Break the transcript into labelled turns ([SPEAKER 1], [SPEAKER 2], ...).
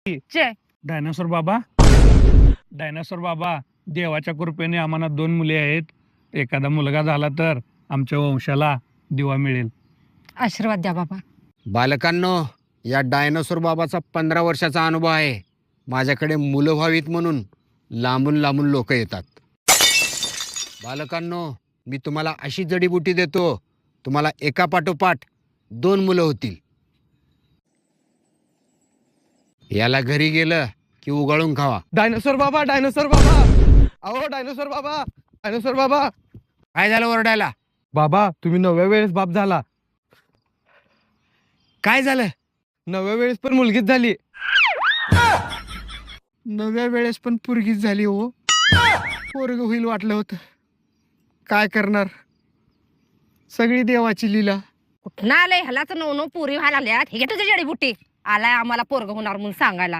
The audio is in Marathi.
[SPEAKER 1] जय
[SPEAKER 2] डायनासोर बाबा, डायनासोर बाबा, देवाच्या कृपेने आम्हाला 2 मुले आहेत. एखादा मुलगा झाला तर आमच्या वंशाला दिवा मिळेल.
[SPEAKER 1] आशीर्वाद द्या बाबा.
[SPEAKER 3] बालकांनो, या डायनासोर बाबाचा 15 वर्षाचा अनुभव आहे. माझ्याकडे मुलं व्हावीत म्हणून लांबून लांबून लोक येतात. बालकांनो, मी तुम्हाला अशी जडीबुटी देतो, तुम्हाला एका पाठोपाठ 2 मुलं होतील. याला घरी गेलं की उगाळून खावा.
[SPEAKER 4] डायनोसॉर बाबा, डायनोसॉर बाबा, अहो डायनोसॉर बाबा, डायनोसॉर बाबा.
[SPEAKER 3] काय झालं ओरडायला?
[SPEAKER 4] बाबा, तुम्ही 9व्या वेळेस बाप झाला.
[SPEAKER 3] काय झालं?
[SPEAKER 4] 9व्या वेळेस पण मुलगीच झाली.
[SPEAKER 3] 9व्या वेळेस पण पोरगीच झाली. हो, पोरग होईल वाटलं होतं. काय करणार, सगळी देवाची लीला.
[SPEAKER 1] कुठं आलंय ह्यालाच 9 पुरी व्हायला लागल्यात. हे घे तुझी जडीबुटी. आलाय आम्हाला पोरग होणार म्हणून सांगायला.